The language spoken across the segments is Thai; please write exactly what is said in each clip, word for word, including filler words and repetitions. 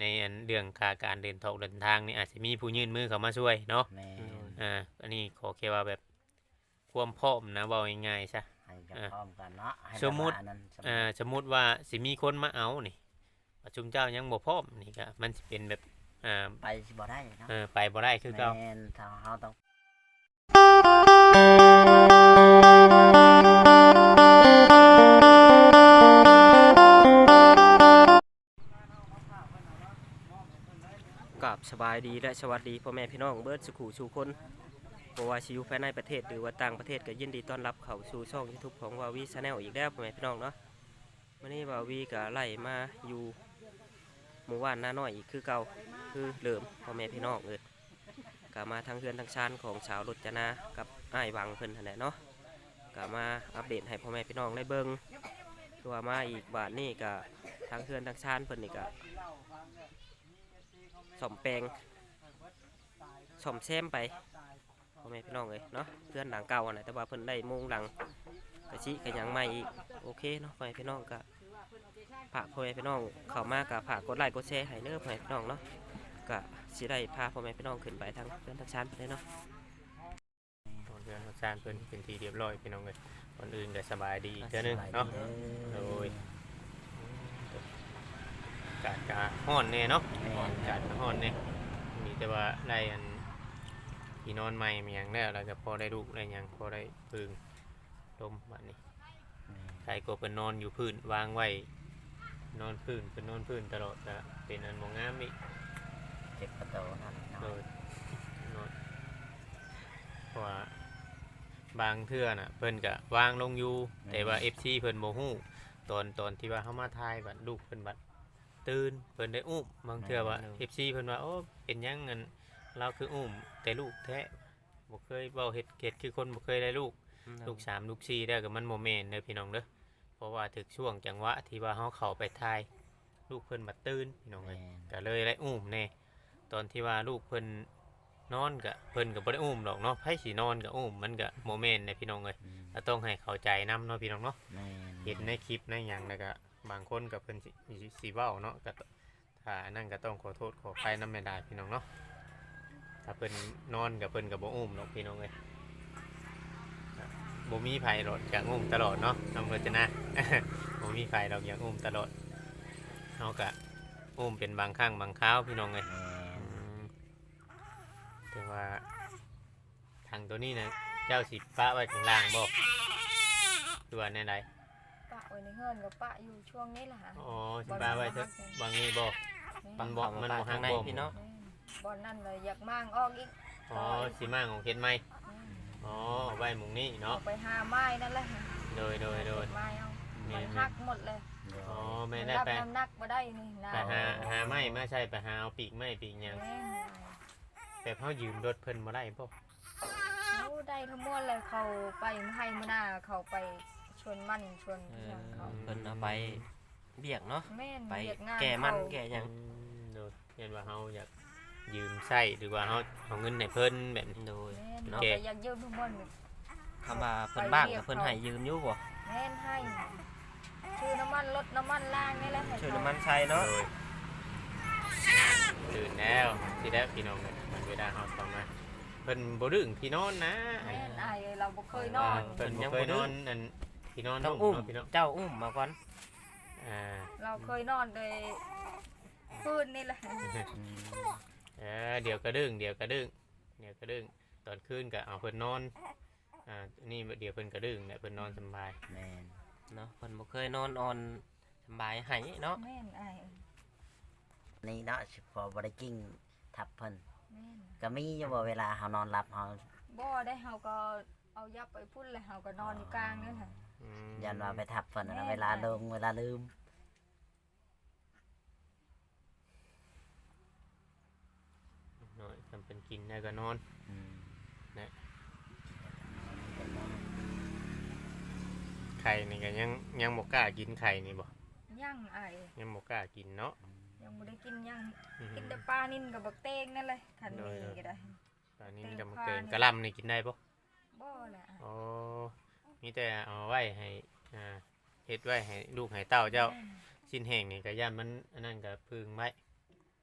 ในอันเรื่องค่าการเดินทางเดินทางนี่อาจจะมีผู้ยื่นมือเข้ามาช่วยเนาะแม่นอ่าอันนี้ขอแค่ว่าแบบความพร้อมนะเว้าง่ายๆซะให้กันอ่าพร้อมกันเนาะให้สมมุติแบบว่าอันนั้นสมอ่ามุติสมมุติว่าสิมีคนมาเอานี่ว่าชุมเจ้ายังบ่พร้อมนี่ก็มันสิเป็นแบบอ่าไปสิบ่ได้เนาะเออไปบ่ได้คือเก่าแม่นถ้าเฮาต้องกับสบายดีและสวัสดีพ่อแม่พี่น้องเบิร์ดสุขุสู่คนบ่ว่าสิอยู่ภายในประเทศหรือว่าต่างประเทศก็ยินดีต้อนรับเข้าสู่ช่อง YouTube ของวาวีชาแนลอีกแล้วพ่อแม่พี่น้องเนาะวันนี้วาวีก็ไล่มาอยู่หมู่บ้านน้าน้อยอีกคือเก่าคือเดิมพ่อแม่พี่น้องเอิดก็มาทางเฮือนทางชานของสาวรจนากับอ้ายวังเพิ่นนั่นแหละเนาะก็มาอัปเดตให้พ่อแม่พี่น้องได้เบิ่งคือว่ามาอีกบ้านนี้ก็ทางเฮือนทางชานเพิ่นนี่ก็ซ่อมแปลงซ่อมแซมไปพ่อแม่พี่น้องเลยเนาะเพื่อนหลังเก่าอะนะแต่ว่าเพิ่นได้มุงหลังกระชิกระยังใหม่อีกโอเคเนาะพ่อแม่พี่น้องก็ฝากพ่อแม่พี่น้องเข้ามากับฝากกดไลค์กดแชร์ให้เด้อพ่อแม่พี่น้องเนาะก็สิได้พาพ่อแม่พี่น้องขึ้นไปทางเพื่อนทางชั้นไปเลยเนาะตอนเดือนสร้างเพิ่นเป็นทีเรียบร้อยพี่น้องเลยคนอื่นก็สบายดีสเท่านึงบายดีเนาะเด้อโดยกาดกาฮ้อนแน่เนาะแม่นกาดก็ฮ้อนแน่มีแต่ว่าได้อันที่นอนใหม่มีหยังแล้วแล้วก็พอได้ลูกได้หยังพอได้พึ่งลมบัดนี้ใครก็เพิ่นนอนอยู่พื้นวางไว้นอนพื้นเพิ่นนอนพื้นตลอดก็เป็นอันบ่งามอีกเจ็บประตูนั่นโดเนาะยนอนเพราะว่าบางเทื่อน่ะเพิ่นก็วางลงอยู่แต่ว่า เอฟ ซี เพิ่นบ่ฮู้ตอนตอนที่ว่าเฮามาถ่ายบัดลูกเพิ่นบัดตื่นเพิ่นได้อุ้มบางเทื่อว่า เอฟ ซี เพิ่นว่าโอ้เป็นหยังงั้นเราคืออุ้มแต่ลูกแท้บ่เคยเว้าเฮ็ดเฮ็ดคือคนบ่เคยได้ลูกลูกสามลูกสี่ได้ก็มันบ่แม่นเด้อพี่น้องเด้อเพราะว่าถึกช่วงจังหวะที่ว่าเฮาเข้าไปถ่ายลูกเพิ่นบัดตื่นพี่น้องเอ้ยแม่นก็เลยได้อุ้มแน่ตอนที่ว่าลูกเพิ่นนอนก็เพิ่นก็บ่ได้อุ้มดอกเนาะไผสินอนก็อุ้มมันก็บ่แม่นเด้อพี่น้องเอ้ยอืมก็ต้องให้เข้าใจนํเนาะพี่น้องเนาะแม่นเห็นในคลิปในหยังแล้วก็บางคนก็เพิ่นสิสิสิเว้าเนาะก็ถ้าอันนั้นก็ต้องขอโทษขออภัยนำแม่ดาพี่น้องเนาะถ้าเพิ่นนอนก็เพิ่นก็บ่อุ้มดอกพี่น้องเอ้ยก็บ่มีไผหรอกอยากอุ้มตลอดเนาะน้องเพิ่นจะนะ บ่มีไผดอกอยากอุ้มตลอดเฮาก็อุ้มเป็นบางครั้งบางคราวพี่น้องเอ้ยแม่อืนมแต่ว่าทางตัวนี้นะเจ้าสิปะไว้ข้างล่างบ่คือว่าแนวใดปะไว้ในเฮือนกับปะอยู่ช่วงนี้แหละฮะอ๋อสิปะไว้เถอะบางนี้บ่มันบ่มันบ่ทาห่าง งในบ่พี่เนาะบอนนั่นเลยอยากมั่งออกอีกอ๋อสิมาของเฮ็ดไหมอ๋อเอาไว้หมุงนี้เอาเนาะไปหาไม้นั่นแหละโดยโดยโดยไม้เอาแม่มันนหักหมดเลยอ๋อมัแม่นได้รับไปน้ำหนักมาได้นี่นะไปหาหาไม้มาใช่ไปหาเอาปีกไม้ปีกหยังแม่นแต่เฮายืมรถเพิ่นบ่ได้บ่เขาได้ทั้งหมดเลยเขาไปให้มาหน้าเขาไปชวนมันชวนเอเพื่อนเขาอเพิ่นเอาไปเบียกเนาะแม่นไปเรียกงานแก่มันเขาแก่หยังอืมโดยเห็นว่าเฮาอยากยืมใช้หรือว่าเฮาเอาเงินให้เพิ่นแบบนี้โดยแม่นเนาะเขาไปอยากยืมทั้งหมดคำว่าเพิ่นบ้างกับเพิ่นให้ยืมอยู่บ่แม่นให้ชื่อน้ำมันรถน้ำมันล่างนี่แหละให้ช่วยเขาน้ำมันใช้เนาะโดยตื่นแล้วสิได้พี่น้องเลยมันเวลาเฮาเข้ามาเพิ่นบ่ดึงที่นอนนะแม่นไอเราบ่เคยนอนเพิ่นบ่เคยนอนอันที่นอนต้องอุ้มเนาะพี่น้องเจ้าอุ้มมาก่อนอ่าเราเคยนอนโดยพื้นนี่แหละอืมเออเดี๋ยวกระดึงเดี๋ยวกระดึงเดี๋ยวกระดึงตอนคืนก็เอาเพิ่นนอนอ่านี่เดี๋ยวเพิ่นกระดึงเนี่ยเพิ่นนอนสบายแม่นเนาะเพิ่นบ่เคยนอนออนสบายให้เนาะแม่นไอนี่เนาะสิพอบ่ได้กิ้งทับเพิ่นแม่นก็มีอยู่บ่เวลาเฮานอนหลับเฮาบ่ได้เฮาก็เอายับไปพุ่นเลยเฮาก็นอนอยู่กลางนี่แหละอืมยันว่าไปทับเพิ่นนะแม่นเวลาลงเวลาลืมนอนจำเป็นกินได้ก็นอนอืมไข่นี่ก็ยังยังบ่กล้ากินไข่นี่บ่ย่างไอยังบ่กล้ากินเนาะยังบ่ได้กินย่างอืมกินแต่ปลานิ่นกับบักเตงนั่นเลยคันโดยนี้ก็ได้ตอนนี้เต็มจะมาพาเกินนี่กระหลำนี่กินได้บ่บ่แหละอ๋อมีแต่เอาไว้ให้อ่าเฮ็ดไว้ให้ลูกให้เต้าเจ้าแม่นชิ้นแห้งนี่ก็ย่านมันอันนั้นก็พึ่งไว้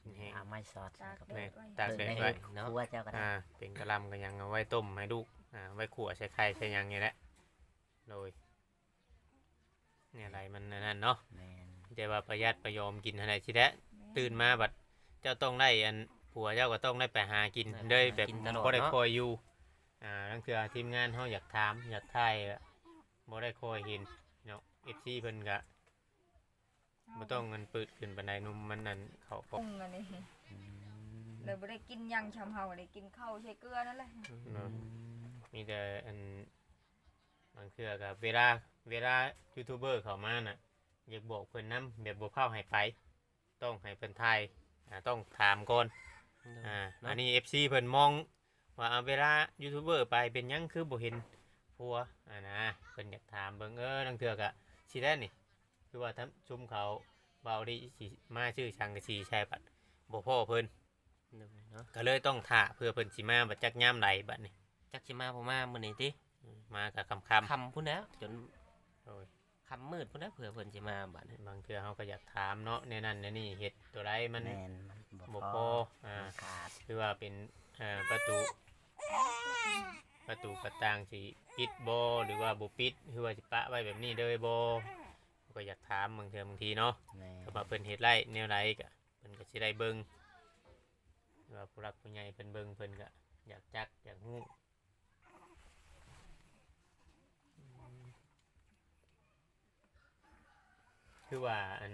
แห้งเอาไม้สอดตากแดแม่ดไว้ตากแดดเพิ่นไว้ให้ครัวเจ้าก็ได้อ่าเป็นกะหล่ำก็ยังเอาไว้ต้มให้ลูกอ่าไว้ขั่วใส่ไข่ใส่หยังนี่แหละโดยเนี่ยอะไรมันนั่นเนาะแม่นแต่ว่าประหยัดประยอมกินอะไรสิแท้ตื่นมาบัดเจ้าต้องได้อันผัวเจ้าก็ต้องได้ไปหากินเด้ยแบบบ่ได้คอยอยู่อ่านั่นคือทีมงานเฮาอยากถามอยากทายอะบ่ได้คอยเห็นเนาะ เอฟ ซี เพิ่นก็บ่ต้องเงินปืดขึ้นปานใดนุ่มมันนั่นเขาปรุงอันนี้อืมเลยบ่ได้กินหยังชำเฮาได้กินข้าวใช้เกลือนั่นแหละเนาะมีแต่อันบางเทื่อก็เวลาเวลายูทูบเบอร์เข้ามาน่ะอยากบอกเพิ่นนํแบบบ่พาให้ไปต้องให้เพิ่นทายอ่าต้องถามก่อนอ่าอันนี้ เอฟ ซี เพิ่นมองว่าเอาเวลายูทูบเบอร์ไปเป็นหยังคือบ่เห็นผัวอ่านะเพิ่นอยากถามเบิ่งเออบางเทื่อก็สิได้นี่คือว่าทำชุมเขาเบาดีสิมาชื่อชังกะสีใช่บัดบ่พ่อเพิ่นเนาะก็เลยต้องท่าเพื่อเพิ่นสิมาบัดจักยามใดบัดนี้จักสิมาบ่มามื้อนี้ติอืมมากับคำคค่ำพุ่นแล้วจนำโอ้ยค่ำมืดพุ่นแล้วเผื่อเพิ่นสิมาบัดนี้บางเทื่อเขาก็อยากถามเนาะในนั้นในนี่เห็ดตัวไรมันแม่นมันบ่บ่พพอออ่ามันขาดคือว่าเป็นเอ่อประตูประตูประต่างสิปิดบ่หรือว่าบ่ปิดคือว่าสิปะไว้แบบนี้เลยบ่ก็อยากถามบางเทื่อบางทีเนาะแม่นก็มาเพิ่นเฮ็ดไรแนวไรก็เพิ่นก็สิได้เบิ่งหรือว่าผู้รักผู้ใหญ่เพิ่นเบิ่งเพิ่นก็อยากจักอยากฮู้คือว่าอัน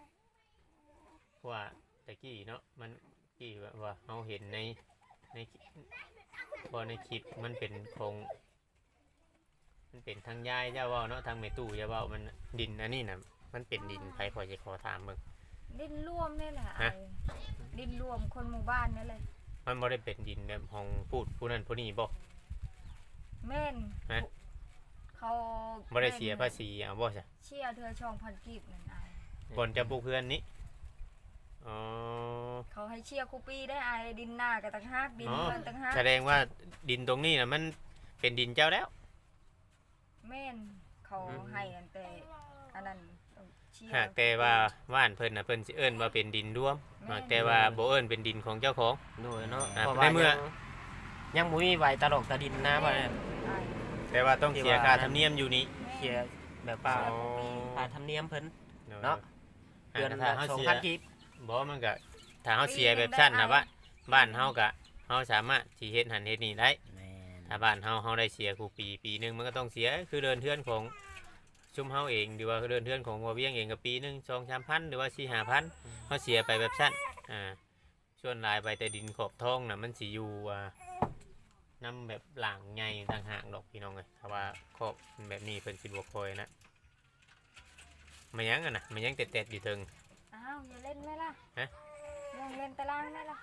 ว่าตะกี้เนาะมันกี้ว่าว่าเราเห็นในในพอในคลิปมันเป็นโครงมันเป็นทางยายเจ้าเว่าเนาะทางเมตู้เจ้าเว่ามันดินอันนี้น่ะมันเป็นดินไผพอจะขอถามเบิ่งดินร่วมนี่แหละฮะไอ้ดินรวมคนหมู่บ้านนั่นแหละมันบ่ได้เป็นดินแบบห้องพูดผู้นั้นผู้นี้บ่แม่นฮะเขาบ่ได้เสียภาษีเอาบ่ซะเชี่ยเธอช่องพันกีบนั่นไอ้ก่อนจะปลูกเพื่อนนี้อ๋อเขาให้เชี่ยคูปีได้ไอ้ดินหน้ากับต่างหากดินอ๋อเพื่อนต่างหากแสดงว่าดินตรงนี้น่ะมันเป็นดินเจ้าแล้วแม่นเขาอืมให้อันแต่อันนั้นเชี่ยหากแต่ว่าว่านเพิ่นน่ะเพิ่นสิเอิ้นว่าเป็นดินร่วมแม่นหากแต่ว่าบ่เอิ้นเป็นดินของเจ้าของโดยเนาะอ่าเพราะในว่าเมื่อยังยังบ่มีไหวตลกตะดินนะว่าไอ้แต่ว่าต้องเสียค่าธรรมเนียมอยู่นี่แม่นเคลียร์แบบว่าเชี่ยคูปีค่าธรรมเนียมเพิ่นเนาะเนาะเดืเดืออน นถ้าละเฮาสองเสียพันกีบบ่มันก็ถ้าเฮาเสียแบบสั้นน่ะว่าบ้านเฮาก็เฮาสามารถสิเฮ็ดหันเฮ็ดนี่ได้แม่นถ้าบ้านเฮาเฮาได้เสียกูปีปีหนึงมันก็ต้องเสียคือเดินเทือนของชุมเฮาเองหรือว่าเดินเทือนของบ่เวียงเองก็ปีหนึง สองสามพันหรือว่า สี่ห้าพันเฮาเสียไปแบบสั้นอ่าส่วนหลายไปแต่ดินขอบท้องน่ะมันสิอยู่อ่านํแบบหลังใหญ่ต่างหากดอกพี่น้องเอ้ยถ้าว่าขอบมันแบบนี้เพิ่นสิบ่ค่อยนะมันยังอ่ะนะมันยังเต็ดๆอยู่ถึงอ้าวอย่าเล่นไหมล่ะฮะลองเล่นตารางไหมล่ะ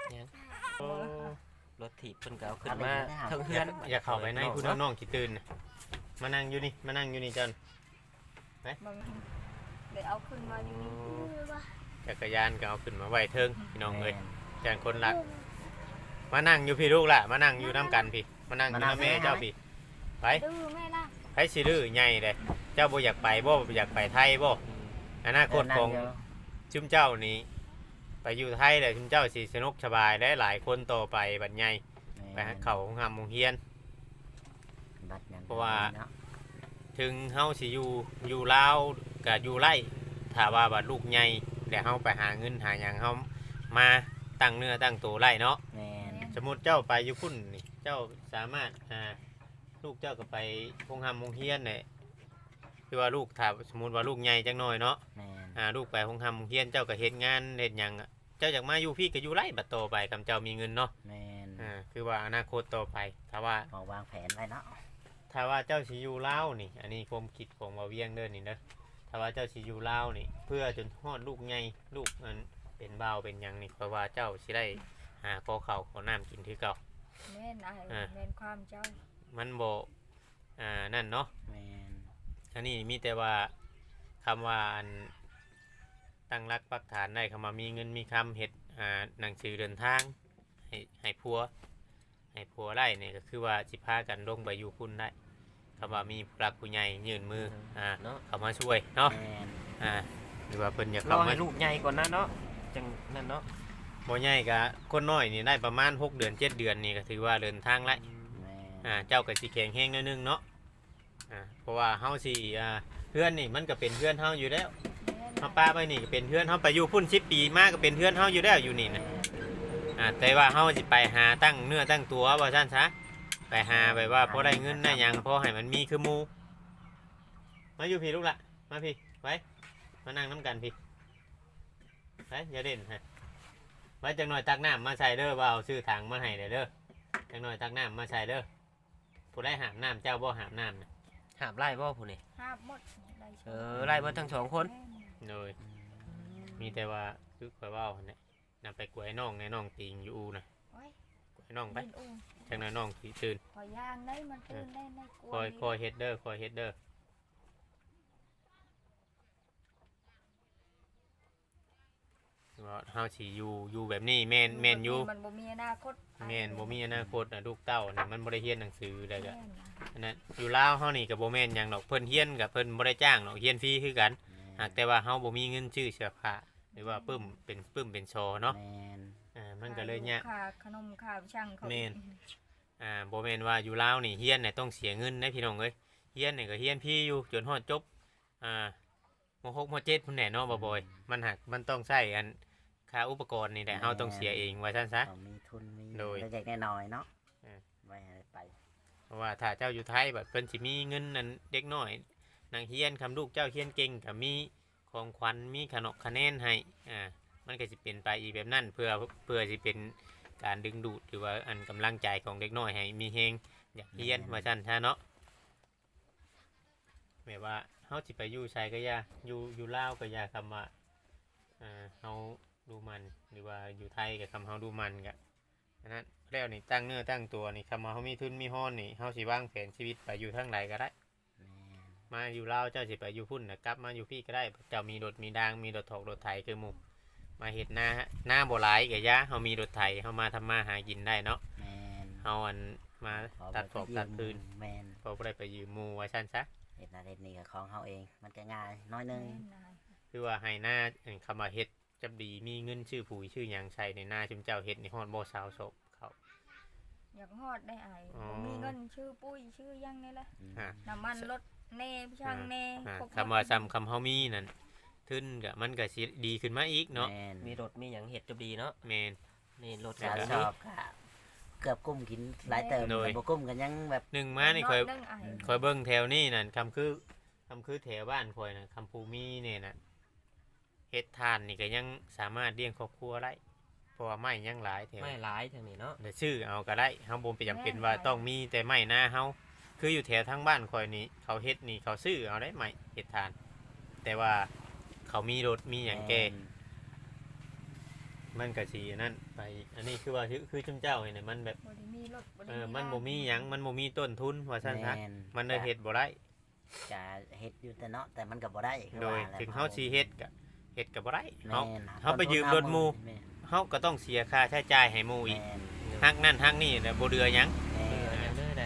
รถถีบเพิ่นก็เอาขึ้นมาเทิงอเฮืยาอก นอยากเข้าไปในคุณน้องๆขี้ตื่นน่ะมานั่งอยู่นี่มานั่งอยู่นี่จันบางเดี๋ยวเอาขึ้นมาอย่างนี้จักรยานก็เอาขึ้นมาไว้เทิงพี่น้องเอ้ยแม่นจานคนรัก มานั่งอยู่พี่ลูกล่ะมานั่งอยู่น้ำกันพี่มานั่งอยู่มานั่งน้ำแม่แม่เจ้าพี่ไปดื้อไหมล่ะไปสิดื้อใหญ่เลยเจ้าบ่อยากไปบ่บ่อยากไปไทยบ่อนาคตของเดินนั่งชุมเจ้านี้ไปอยู่ไทยเลยชุมเจ้าสิสนุกสบายได้หลายคนต่อไปบัดใหญ่อยู่ไปหาเขาของหำโรงเรียนบัดนั้นเพราะว่าเนาะถึงเฮาสิอยู่อยู่ลาวกับอยู่ไร่ถ้าว่าบัดลูกใหญ่เดี๋ยวเฮาไปหาเงินหาหยังเฮามาตั้งเนื้อตั้งตัวไร่เนาะแม่นสมมุติเจ้าไปอยู่พุ่นนี่เจ้าสามารถอ่าลูกเจ้าก็ไปโรงหำโรงเรียนเนี่ยคือว่าลูกถ้าสมมุติว่าลูกใหญ่จังน้อยเนาะแม่นอ่าลูกไปโรงหำโรงเรียนเจ้าก็เฮ็ดงานเฮ็ดหยังอะเจ้าอยากมาอยู่พี่ก็อยู่ไร่บัดโตไปคำเจ้ามีเงินเนาะแม่นอ่าคือว่าอนาคตต่อไปถ้าว่าพอวางแผนไว้เนาะถ้าว่าเจ้าสิอยู่ลาวนี่ อันนี้ความคิดของบ่าวเวียงเด้อนี่เด้อถ้าว่าเจ้าสิอยู่ลาวนี่ เพื่อจนฮอดลูกใหญ่ลูกมันเป็นบ่าวเป็นหยังนี่เพราะว่าเจ้าสิได้หาขอข้าวขอน้ำกินคือเก่าแม่นไอ้อ่าแม่นความเจ้ามันบ่อ่านั่นเนาะแม่นอันนี้มีแต่ว่าคำว่าอันตั้งรักปักฐานได้คำว่ามีเงินมีคำเฮ็ดอ่าหนังสือเดินทางให้ให้ผัวให้ผัวได้เนี่ยก็คือว่าสิพากันลงไปอยู่พุ่นได้คำว่ามีผู้รักผู้ใหญ่ยื่นมืออ่าเนาะเข้ามาช่วยเนาะแม่นอ่าหรือว่าเพิ่นอยากรเข้าอมาให้ลูกใหญ่ก่อนนะเนาะจังนั่นเนาะบ่ใหญ่ก็คนน้อยนี่ได้ประมาณหกเดือนเจ็ดเดือนนี่ก็ถือว่าเดินทางแล้วแม่นอ่าเจ้าก็สิแข็งแรงหนิดนึงเนาะอ่าเพราะว่าเฮาสิอ่าเพื่อนนี่มันก็เป็นเพื่อนเฮาอยู่แล้วเฮาป้าไปนี่ก็เป็นเพื่อนเฮาไปอยู่พุ่นสิบปีมาก็เป็นเพื่อนเฮาอยู่แล้วอยู่นี่นะอ่าแต่ว่าเฮาสิไปหาตั้งเนื้อตั้งตัวว่าซั่นซะไปหาแบบว่าพอได้เงินได้หยังพอให้มันมีคือหมู่มาอยู่พี่ลูกละมาพี่ไว้มานั่งน้ำกันพี่ไปอย่าเด่นฮะไว้จังหน่อยตักน้ำมาใส่เด้อว่าเอาซื้อถังมาให้เด้อเด้อจังหน่อยตักน้ำมาใส่เด้อผู้ได้หามน้ำเจ้าบ่หามน้ำนะหามไล่บ่ผู้นี่ห้าบหมดได้เออไล่เบ่ทั้งสองคนเลยมีแต่ว่าคือข่อยเว่าเนี่ยนำไปกล้วยน้องในน้องติงอยู่อูนะโอ้ยกล้วยน้องไปดินอู้จังน้อยน้องสิตื่นขอย่างได้มันตื่นได้ในกลัวคอยคอยเฮ็ดเด้อคอยเฮ็ดเด้อว่าเฮาสิอยู่อยู่แบบนี้แม่นแม่นอยู่มันบ่มีอนาคตแม่นบ่มีอนาคตน่ะลูกเต้านี่มันบ่ได้เรียนหนังสือได้ก็แม่นนะอันนั้นอยู่ลาวเฮานี่ก็บ่แม่นหยังดอกเพิ่นเรียนก็เพิ่นบ่ได้จ้างดอกเรียนฟรีคือกันหากแต่ว่าเฮาบ่มีเงินซื้อเสื้อผ้าหรือว่าปึ้มเป็นปึ้มเป็นโชว์เนาะแม่นอ่ามันก็เลยยากค่าขนมค่าช่างเขาแม่น อ่าบ่แม่นว่าอยู่ลาวนี่เฮียนเนี่ยต้องเสียเงินนะพี่น้องเอ้ยเฮียนนี่ก็เฮียนพี่อยู่จนฮอดจบอ่ามหกมเจ็ดพุ่นแหน่เนาะบ่บ่อยมันหักมันต้องใช้อันค่าอุปกรณ์นี่แหละเฮาต้องเสียเองว่าซั่นซะต้องมีทุนมีโดยเล็กๆน้อยๆเนาะเออไว้ให้ไปเพราะว่าถ้าเจ้าอยู่ไทยแบบเพิ่นสิมีเงินนั้นเด็กน้อยนางเฮียนคำลูกเจ้าเฮียนเก่งก็มีของขวัญมีขนมคะแนนให้อ่ามันก็สิเป็นไปอีกแบบนั้นเพื่อเพื่อสิเป็นการดึงดูดหรือว่าอันกำลังใจของเด็กน้อยให้มีแฮงอยากเฮียนว่าซั่นซะเนาะ แบบว่าเฮาสิไปอยู่ไสก็อย่าอยู่อยู่ลาวก็อย่าคำว่าอ่าเฮาดูมันหรือว่าอยู่ไทยก็คำเฮาดูมันก็อันนั้นแล้วนี่ตั้งเนื้อตั้งตัวนี่คำว่าเฮามีทุนมีฮ้อนนี่เฮาสิวางแผนชีวิตไปอยู่ทางใดก็ได้แม่นมาอยู่ลาวเจ้าสิไปอยู่พุ่นน่ะกลับมาอยู่พี่ก็ได้เจ้ามีรถมีดางมีรถถอกรถไถคือหมู่มาเฮ็ดนาหน้าบ่หลายก็อย่าเฮามีรถไถเฮามาทำมาหากินได้เนาะแม่นเฮาอันมาขอตัดไปถอกยืมตัดพื้นแม่นพอบ่ได้ไปยืมหมู่ว่าซั่นซะเฮ็ดนาเฮ็ดนี่ก็ของเฮาเองมันก็ง่ายน้อยหนึงแม่นนะคือว่าให้หน้าเอิ่นคำว่าเฮ็ดจับดีมีเงินชื่อปุ๋ยชื่อหยังใส่ในหน้าชุมเจ้าเฮ็ดในฮอดบ่สาวศพเขาอยากฮอดได้ไอ้อ๋อบ่มีเงินชื่อปุ้ยชื่อหยังนี่แหละอืมฮะน้ำมันรถแน่ช่างแน่อ่าครบคำว่าซ้ำคำเฮามีนั่นทึนก็มันก็สิดีขึ้นมาอีกเนาะแม่นมีรถมีหยังเฮ็ดจบดีเนาะแม่นนี่รถสาก็วชมีอบก็เกือบกุ้มกินหลายเติมโดยแต่บ่กุ้มกันยังแบบหนึ่งมานี่ค่อยหนึ่งไอ้ค่อยเบิ่งแถวนี้นั่นคำคือคำคือแถวบ้านค่อยน่ะคำภูมีเนี่ยน่ะเฮ็ดทานนี่ก็ยังสามารถเลี้ยงครอบครัวได้เพราะว่าไม้ยังหลายแถวไม่หลายทางนี้เนาะเดี๋ยวซื้อเอาก็ได้เฮาบ่จำเป็นว่าต้องมีแต่ไม้หน้าเฮาคืออยู่แถวทางบ้านค่อยนี่เขาเฮ็ดนี่เขาซื้อเอาได้ไม้เฮ็ดทาน แต่ว่าเขามีรถมีหยังแก่ มันก็สีนั่นไปอันนี้คือว่าคือคือจุมเจ้าเนี่ยมันแบบบ่ได้มีรถบ่ได้เออมีมันบ้าบ่มีหยังมันบ่มีต้นทุนว่าซั่นซะแม่มันได้เฮ็ดบ่ได้จะเฮ็ดอยู่แต่เนาะแต่มันก็บ่ได้คือโดยว่าแหละถึงเฮาสิเฮ็ดก็เฮ็ดก็บ่ได้แม่เฮานนะเฮาไปยืมรถหมู่แม่นเฮาก็ต้องเสียค่าใช้จ่ายให้หมู่อีกแม่นฮักนั่นฮักนี่น่ะบ่เดือหยังแม่เออน ยังเด้อนะ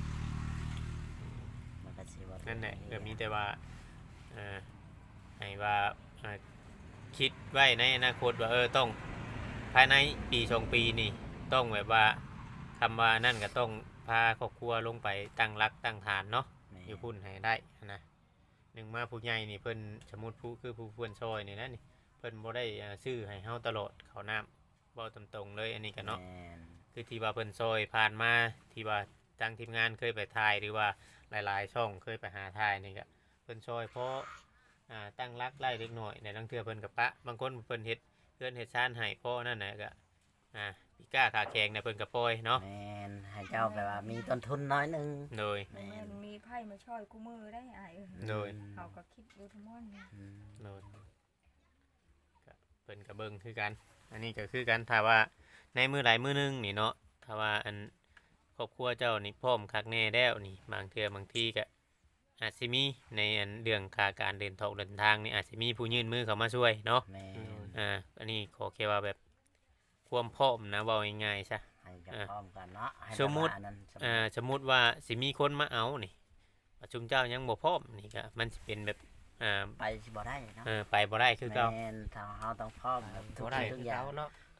มันก็สิว่านั่นแหละก็มีแต่ว่าเอ่อให้ว่าเอ่อคิดไว้ในอนาคตว่าเออต้องภายในปีสองปีนี่ต้องแบบว่าคำว่านั่นก็ต้องพาครอบครัวลงไปตั้งรักตั้งฐานเนาะแม่นอยู่พุ่นให้ได้นะหนึ่งมาผู้ใหญ่นี่เพิ่นสมมุติผู้คือผู้เพื่อนซอยนี่นะนี่เพิ่นบ่ได้อ่าซื้อให้เฮาตลอดเขาวน้ำบ่ตรงๆเลยอันนี้ก็เนาะแม่นคือที่ว่าเพิ่นซอยผ่านมาที่ว่าทางทีมงานเคยไปถ่ายหรือว่าหลายๆช่องเคยไปหาถ่ายนี่ก็เพิ่นซอยเพราะอ่าตั้งรักไล่เล็กน้อยในลังเทื่อเพิ่นกับปะบางคนเพิ่นเฮ็ดเพื่อนเฮ็ดซ่านให้เพราะนั่นน่ะก็อ่าพิก้าขาแข็งเนี่ยเพิ่นก็ปล่อยเนาะแม่นให้เจ้าแบบว่ามีต้นทุนน้อยหนึงโดยแม่นมีไพ่มาช่วยกูมือได้ไอ้เออโดยเขาก็คิดดูทั้งหมดนี่อืมโดยก็เพิ่นก็เบิ่งคือกัน อันนี้ก็คือกันถ้าว่าในมือหลายมือหนึงนี่เนาะถ้าว่าอันครอบครัวเจ้านี่พร้อมคักแน่แล้วนี่บางเทื่อบางทีก็อาจสิมีในอันเรื่องค่าการเดินทางเดินทางนี่อาจสิมีผู้ยื่นมือเข้ามาช่วยเนาะแม่นอ่าอันนี้ขอแค่ว่าแบบความพร้อมนะเว้าง่ายๆซะให้จะอ่ะพร้อมกันเนาะให้สมมุติแบบว่าอันนั้นสมมุอ่าติสมมุติว่าสิมีคนมาเอานี่ประชุมเจ้ายังบ่พร้อมนี่ก็มันสิเป็นแบบอ่าไปสิบ่ได้เนาะเออไปบ่ได้คือเก่าแม่นถ้าเฮาต้องพร้อมแบบทุกบ่ได้สิ่งคืทุอกอย่าเก่าง เนาะ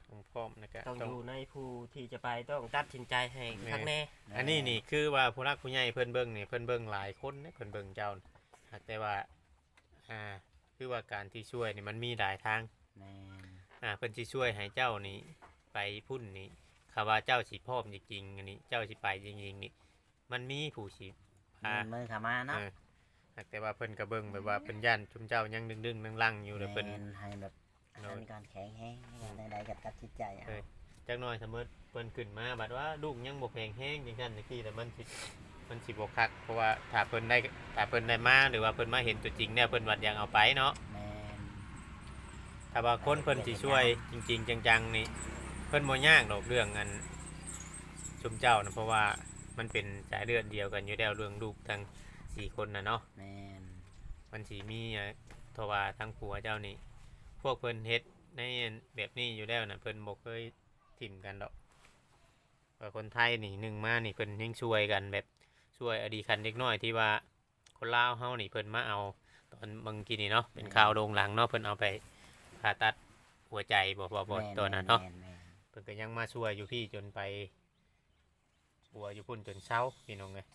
ต้องพร้อมนะก็ต้องต้อองยู่ในผู้ที่จะไปต้องตัดสินใจให้คักแน่อันนี้นี่คือว่าผู้รักผู้ใหญ่เพิ่นเบิ่งนี่เพิ่นเบิ่งหลายคนนะเพิ่นเบิ่งเจ้าน่ะหากแต่ว่าอ่าคือว่าการที่ช่วยนี่มันมีหลายทางแม่นอ่าเพิ่นสิช่วยให้เจ้านี่ไปพุ่นนี่คำว่าเจ้าสิพร้อมจริงๆอันนี้เจ้าสิไปจริงๆนี่มันมีผู้สิพามือเข้ามาเนาะเออหากแต่ว่าเพิ่นก็เบิ่งแบบว่าเพิ่นย่านชุมเจ้ายังดึงๆลังๆอยู่แล้วเพิ่นแม่นให้แบบอันนั้นก่อนแข็งแห้งใดๆก็ตัดสินใจเอาเออ จักหน่อยสมมุติเพิ่นขึ้นมาบัดว่าลูกยังบ่แข็งแรงจังซั่นจังซี่แต่มันสิมันสิบ่คักเพราะว่าถ้าเพิ่นได้ถ้าเพิ่นได้มาหรือว่าเพิ่นมาเห็นตัวจริงเนี่ยเพิ่นวัดยังเอาไปเนาะแม่นถ้าว่าคนเพิ่นสิช่วยจริงๆจังๆนี่เพิ่นบ่ยากดอกเรื่องอันชุมเจ้านะเพราะว่ามันเป็นสายเลือดเดียวกันอยู่แล้วเรื่องลูกทั้งสี่คนน่ะเนาะแม่นมันสิมีอ่ะเพราะว่าทั้งผัวเจ้านี่พวกเพิ่นเฮ็ดในแบบนี้อยู่แล้วน่ะเพิ่นบ่เคยถิ่มกันดอกว่าคนไทยนี่หนึ่งมานี่เพิ่นยังช่วยกันแบบช่วยอดีคันเด็กน้อยที่ว่าคนลาวเฮานี่เพิ่นมาเอาตอนบางทีนี่เนาะเป็นข่าวโด่งดังเนาะเพิ่นเอาไปผ่าตัดหัวใจบ่บ่บ่แม่ตัวนั้นเนาะแม่แม่เพิ่นก็ยังมาช่วยอยู่พี่จนไปปัวอยู่พุ่นจนเช้าพี่น้องเลย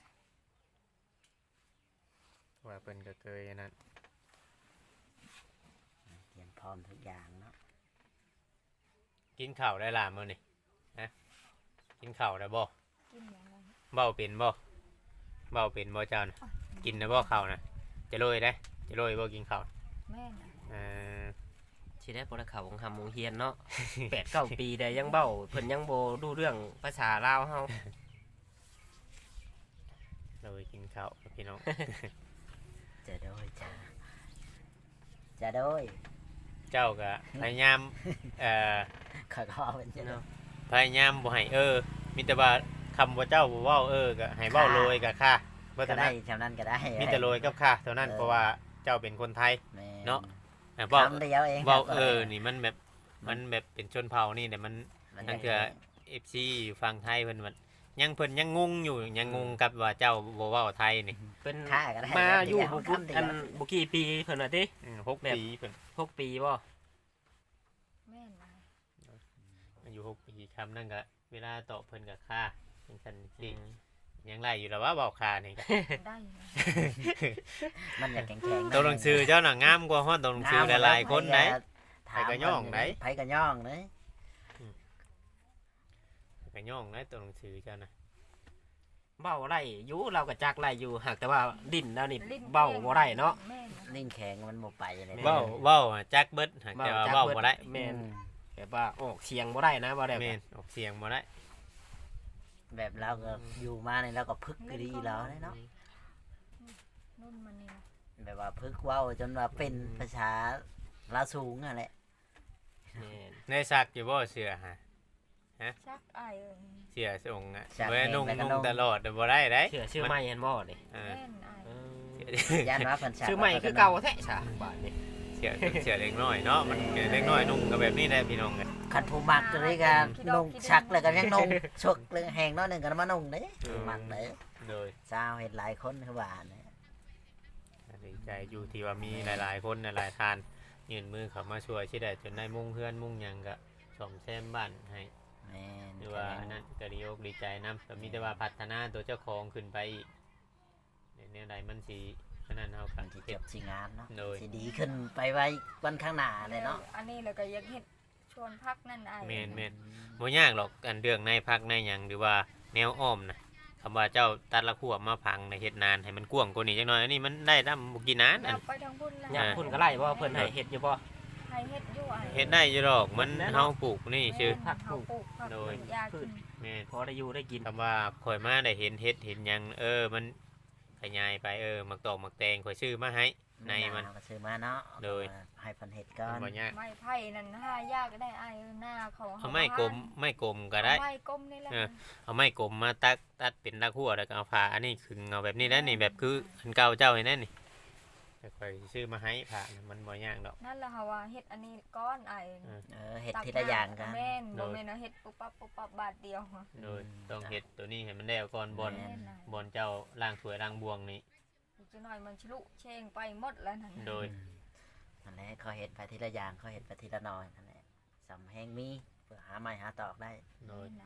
ว่าเพิ่นก็เคยอันนั้นเตรียมพร้อมทุกอย่างเนาะกินข้าวได้ล่ะมื้อนี่นะกินข้าวได้บ่กินอย่างไรเบ้าเป็นบ่เบ้าเป็นบ่เจ้านะกินได้บ่ข้าวนะจะโรยได้จะโรยบ่กินข้าวแม่น่ะเอ่อสิได้บ่ได้เข้าของคำวงเฮียนเนาะ แปดเก้าปีได้ยังเบ้าเพิ่นยังบ่รู้เรื่องภาษาลาวเฮาโรยกินข้าวพี่น้องจะโดยจ้าจะโดยเจ้าก็พยายามเอ่อขอขอเป็นจะโดยพยายามบ่ให้เออมีแต่ว่าคำว่าเจ้าบ่เว้าเออก็ให้เว้าโรยกับค่าเพราะก็ฉะได้นั้นชำนั้นก็ได้มีแต่โรยกับค่าเท่านั้นเออเพราะว่าเจ้าเป็นคนไทยแม่เนาะ อ่ะเว้าคำเดียวเองเว้าครับเออนี่มันแบบมันแบบเป็นชนเผ่านี่แต่มันมันนั่นคือ เอฟ ซี อยู่ฝั่งไทยเพิ่นว่ายังเพิ่นยังงงอยู่ยังงงกับว่าเจ้าบ่เว้าไทยนี่เป็นค่าก็ได้มาอยู่คำบ่เดีวพุดคำเดียวอันบ่กี่ปีเพิ่นว่าติอืมหกแบบปีเพิ่นหกปีบ่แม่น่ะอายุหกปีคำนั่นก็เวลาตอบเพิ่นก็ค่าเป็นซั่นจริงยังไล่อยู่แล้วว่าเว้าค่านี่ก็ได้นะมันอยากแข็งแข็งตัวหนังสือเจ้าน่ะงามกว่าฮอดตัวหนังสือหลายๆคนไหนถามไผก็ย่องไหนไผก็ย่องเลยก็ย่องนะตัวหนังสือเจ้าน่ะเบ้าไร่อยู่เราก็จักไร่อยู่หากแต่ว่าดิ้นแล้วนี่ลิ้นเบ้าบ่ได้เนาะแม่น่ะนิ่งแข็งมันบ่ไปเลยแม่เว้าเว้าอะจักเบิดหากแต่ว่าเว้าบ่ได้แม่นแบบว่าออกเสียงบ่ได้นะบ่ได้แม่นออกเสียงบ่ได้แบบเราก็อยู่มาในเราก็พึกกรีแล้วเนาะนุ่นมันนี่นะแบบว่าพึกเว้าจนว่าเป็นภาษาลาวสูงอ่ะแหละแม่นในซักอยู่บ่เสื้อฮะชักอายเอ้ยเสื้อทรงอ่ะบ่ได้นุ่งนุ่งตลอดเด้อบ่ได้เด้เชื่อชื่อใหม่เห็นบ่นี่เออแม่นอายเออย่านว่าเพิ่นชักชื่อใหม่คือเก่าแท้ซะบาดนี้เสียเสียเล็กน้อยเนาะมันเล็กน้อยนุ่งก็แบบนี้แหละพี่น้องกันคันผู้มักเลยก็นุ่งชักแล้วก็ยังนุ่งชกเลยแหงน้อยหนึงก็มานุ่งเด้ผู้มักเด้โดยสาวเห็นหลายคนคือว่าเนี่ยดีใจอยู่ที่ว่ามีหลายๆคนหลายๆทานยื่นมือเข้ามาช่วยที่ได้จนได้มุ่งเพื่อนมุ่งหยังก็ซ่อมแซมบ้านให้แม่นหรือว่าอันนั้นก็ดีอกดีใจนํแต่มีแต่ว่าพัฒนาตัวเจ้าของขึ้นไปอีกในแนวใดมันสิอันนั้นเฮาก็มันสิจเก็บบสิงามเนาะโดยสิดีขึ้นไปไว้วันข้างหน้าเลยเนาะอันนี้แล้วก็อยากเฮ็ดชวนพักนั่นอายแม่นแม่นบ่ยากหรอกอันเรื่องในพักในหยังหรือว่าแนวอ้อมนะคำว่าเจ้าตัดละขั้วมาพังในเฮ็ดนานให้มันกว้างกว่านี้จักหน่อยอันนี้มันได้นำบ่กี่นานออัยาน กไปทางพุ่นแล้วอยากคุณก็ไล่บ่เพิ่นให้เฮ็ดอยู่บ่ให้เฮ็ดอยู่อายเฮ็ดได้อยู่ดอกมันเฮาปลูกนี่ชื่อผักปลูกเฮาปลูกผักโดยยากินแม่นพอได้อยู่ได้กินคำว่าข่อยมาได้เห็นเฮ็ดเห็นหยังเออมันขยายไปเออมักตอกมักแตงข่อยซื้อมาให้ในมันเอาก็ซื้อมาเนาะโดยให้เพิ่นเฮ็ดก่อนบ่ยากไม้ไผ่นั่นหายากได้อายหน้าเขาเอาไม้กลมไม้กลมก็ได้เอาไม้กลมนี่แหละเออ เอาไม้กลมมาตัดตัดเป็นละขั้วแล้วก็เอาผ่าอันนี้ขึงเอาแบบนี้แล้วนี่แบบคืออันเก่าเจ้าเห็นนั่นนี่แต่ข่อยซื้อมาให้ผ่านะมันบ่ยากดอกนั่นแหละค่ะว่าเฮ็ดอันนี้ก้อนอายเออเออเฮ็ดทีละอย่างกันแม่นโดบ่ยแม่นว่าเฮ็ดปุ๊บปั๊บปุ๊บปั๊บบาทเดียวโดยต้องเฮ็ดตัวนี้ให้มันแล้วก่อนบอลแม่แม่นน่ะบอลเจ้าล่างถ้วยล่างบวงนี่อีกจักหน่อยมันชลุเชงไปหมดแล้วนั่นน่ะโดยนั่นแหละเขาเฮ็ดไปทีละอย่างเขาเฮ็ดไปทีละน้อยนั่นแหละสำแหงมีฝหาไม้หาตอกได้โดยไหน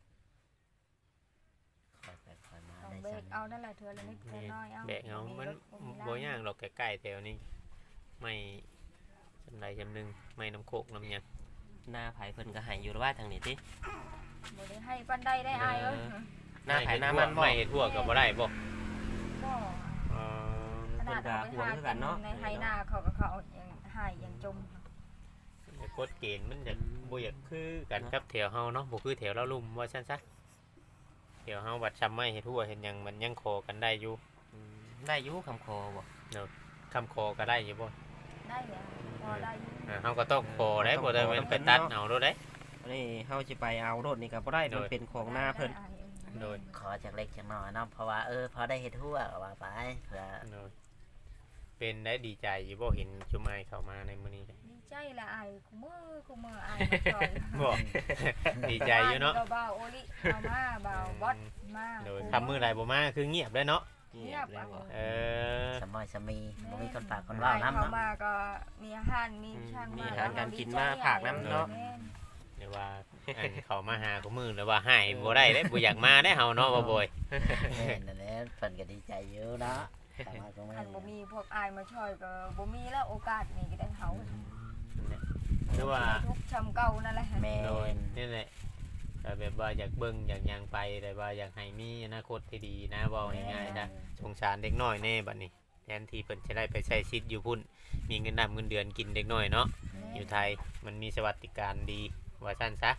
คอยไปคอยมาต้องได้เบรจักงเอานั่นแหละเธอละนิดเธอน้อยเอาแบกเอามันบ่ย่างหรอกใกล้ๆแถวนี้ไม่จำไรจำหนึงไม่น้ำโคกน้ำหยังหน้าไผเพิ่นก็ให้อยู่ว่าทางนี้ติบ่ได้ให้ปันใดได้อายเอ้ยหน้าไผหน้ามันบ่ไม่ทั่วก็บ่ได้บ่บ่เออขนาดเอาไปหากินในไฮนาเขาก็เขายังหายยังจมกฎเกณฑ์มันจะบ่อยากคือกันกับแถวเฮาเนาะบ่คือแถวเราลุ่มว่าซั่นซะแถวเฮาบัดซ้ำไม่เฮ็ดทั่วเห็นหยังมันยังขอกันได้อยู่อืมได้อยู่คำคอบ่คำขอก็ได้อยู่บ่ได้เหรอพอได้อยู่อ่าเฮาก็ต้องขอได้บ่ได้มันไปตัดเอาโดดได้อันนี้เฮาสิไปเอารถนี่ก็บ่ได้มันเป็นของหน้าเพิ่นได้อ้ายเอ้ยโดยขอจากเล็กจากน้อยเนาะเพราะว่าเออพอได้เฮ็ดทั่วก็ว่าไปเพื่อโดยเป็นได้ดีใจอยู่บ่เห็นชุมไอเข้ามาในมื้อนี้ดีใจละอายกูมือกูมืออายมาช่วยบ่ ดีใจอยู่เนาะบ้บ่าวโอลิเอามาบ่าวบอสมาโดยทำมื้อใดบ่มาคือเงียบได้เนาะเงียบแล้วบ่เออสมอยสมีบ่มีคนฝากคนว่าเว้าเขานำเนาะมาก็มีอาหารมีช่างมีมาอาหารการกินมาผากน้ำเนาะแม่นเดี๋ยวว่าอันเขามาหากูมือแล้วว่าให้บ่ได้เด้บ่อยากมาได้เฮาเนาะบ่บ่อยแม่นนั่นแหละเพิ่นก็ดีใจอยู่เนาะแต่ว่าก็ไม่คันบ่มีพวกอายมาช่วยก็บ่มีแล้วโอกาสนี้ก็ได้เฮาหรือว่าทุกข์ชำเก่านั่นแหละแม่โดยนนี่แหละก็แบบว่าอยากเบิ่งอยากหยังไปแต่ว่าอยากให้มีอนาคตที่ดีนะเว้าง่ายๆจ้ะสงสารเด็กน้อยแน่บัดนี้แทนที่เพิ่นจะได้ไปใช้ชีวิตอยู่พุ่นมีเงินนำเงินเดือนกินเด็กน้อยเนาะอยู่ไทยมันมีสวัสดิการดีว่าซั่นซะ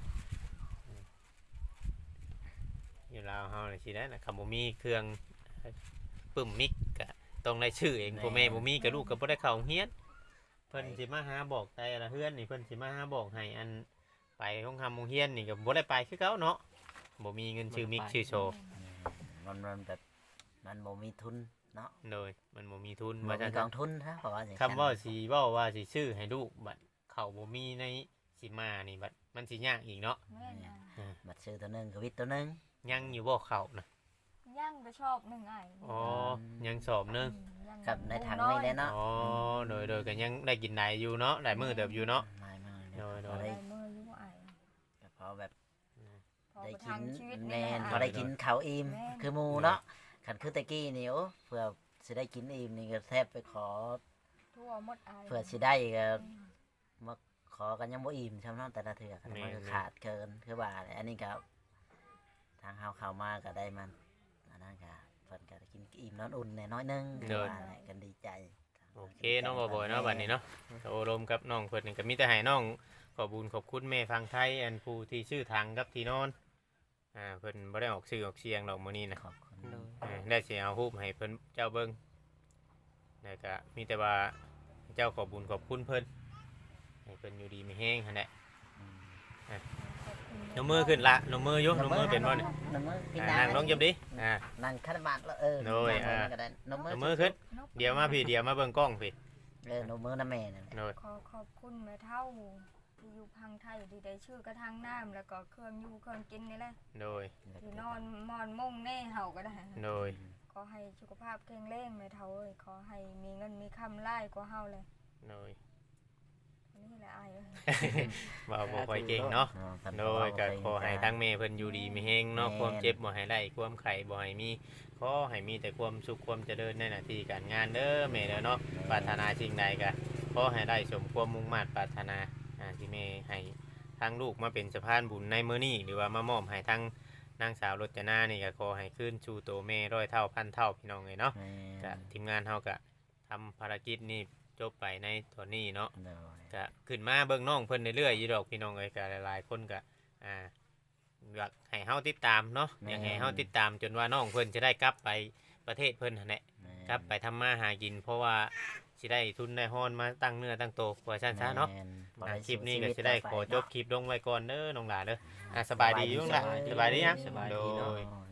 อยู่ลาวเฮานี่สิได้นะคำบ่มีเครื่องปึ้มมิกก็ต้องได้ชื่อเองพ่อแม่บ่มีก็ลูกก็บ่ได้เข้าโรงเรียนเพิ่นสิมาหาบอกแต่ละเฮือนนี่เพิ่นสิมาหาบอกให้อันไปโรงทำโรงเรียนนี่ก็บ่ได้ไปคือเก่าเนาะบ่มีเงินชื่อมิกชื่อโชว์มันมันแบบมันบ่มีทุนเนาะโดยมันบ่มีทุนบ่ว่ามีซั่นกองทุนฮะเพราะว่าอย่างคำว่าสิเว้าว่าสิชื่อให้ลูกบัดเขาบ่มีในสิมานี่บัดมันสิยากอีกเนาะแม่นอ่ะบัตรซื้อตัวหนึงกับวิทย์ตัวหนึงยังอยู่บ่เข้านะย่างก็ชอบหนึงอ้ายอ๋อยังสอบหนึงย่างกับในถังนี่เลยเนาะอ๋อโดยโดยก็ยังได้กินได้อยู่เนาะได้มื้อเติบอยู่เนาะไม่ไม่โดยโดพอย ได้ได้มืออยู่อ้ายพอแบบพอได้ไปกิทาน งชีวิตแม่นนี่พอได้กินข้าวอิ่มแม่นคือหมูเนาะขันคือแตะกี้นี่โอ้เพื่อสิได้กินอิ่มนี่ก็แทบไปขอทั่วหมดอ้ายเพื่อสิได้ก็มาขอกันยังบ่อิ่มใช่ไหมเนาะแต่ละเถื่อกันมันก็ขาดเกินคือว่าแหละอันนี้ก็ทางเฮาเข้ามาก็ได้มันอันนั้นก็เพิ่นก็ได้กินอิ่มนอนอุ่นแน่น้อยหนึงคือว่าแหละกันดีใจโอเคเนาะบ่บ่อยเนาะบัดนี้เนาะก็โอรมกับน้องเพิ่นนี่ก็มีแต่ให้น้องขอบุญขอบคุณแม่ฟังไทยอันผู้ที่ชื่อทางกับที่นอนอ่าเพิ่นบ่ได้ออกชื่อออกเสียงดอกมื้อนี้นะขอบคุณโดยเออได้สิเอารูปให้เพิ่นเจ้าเบิ่งแล้วก็มีแต่ว่าเจ้าขอบุญขอบคุณเพิ่นให้เพิ่นอยู่ดีมีแฮงหั่นแหละอืมนมมือขึ้นละนมมือยกนมมือเป็นบ่นี่นมมือพี่อ่านานั่งลงจับดิอ่านั่งคันบาทแล้วเออโดยนั่งลงอ่าก็ได้นมมืนอมมือขึ้นเดี๋ยวมาพี่เดี๋ยวมาเบิ่งกล้องพี่เออนมมือน้าแม่นั่นแหละโดยขอขอบคุณแม่เฒ่าที่อยู่พังไทยที่ได้ชื่อกระทางน้ำแล้วก็เครื่องอยู่เครื่องกินนี่แหละโดยที่นอนมอนมุ่งแน่เฮาก็ได้โดยขอให้สุขภาพแข็งแรงแม่เฒ่าเอ้ยขอให้มีเงินมีคำไล่กว่าเฮาเลยโดยนี่แหละอายเอ้ยว่าบ่ค่อยเก่งเนาะอ๋อท่านโดยก็ขอให้ทั้งแม่เพิ่นอยู่ดีมีแฮงเนาะความเจ็บบ่ให้ได้ความไข้บ่ให้มีขอให้มีแต่ความสุขความเจริญในหน้าที่การงานเด้อแม่เด้อเนาะปรารถนาสิ่งใดก็ขอให้ได้สมความมุ่งมั่นปรารถนาอ่าที่แม่ให้ทั้งลูกมาเป็นสะพานบุญในมื้อนี้หรือว่ามามอบให้ทั้งนางสาวรจนานี่ก็ขอให้คืนสู่ตัวแม่ร้อยเท่าพันเท่าพี่น้องเอ้ยเนาะแม่ก็ทีมงานเฮาก็ทำภารกิจนี้จบไปในตอนนี้เนาะโดยก็ขึ้นมาเบิ่งน้องเพิ่นเรื่อยๆอยู่ดอกพี่น้องเอ้ยก็หลายๆคนก็อ่าอยากให้เฮาติดตามเนาะอยากให้เฮาติดตามจนว่าน้องเพิ่นจะได้กลับไปประเทศเพิ่นหั่นแหละแม่กลับไปทำมาหากิน เพราะว่าสิได้ทุนได้ฮ้อนมาตั้งเนื้อตั้งโตว่าซั่นซะเนาะแม่บ่อ่าได้คลิปนี้ก็สู้สิได้ต่ขอจบเนาะคลิปลงไว้ก่อนเด้อน้องหลาเด้ออ่าสบายดีอยู่น้องหลาสบายดียังสบายโดดีเนาะยโดย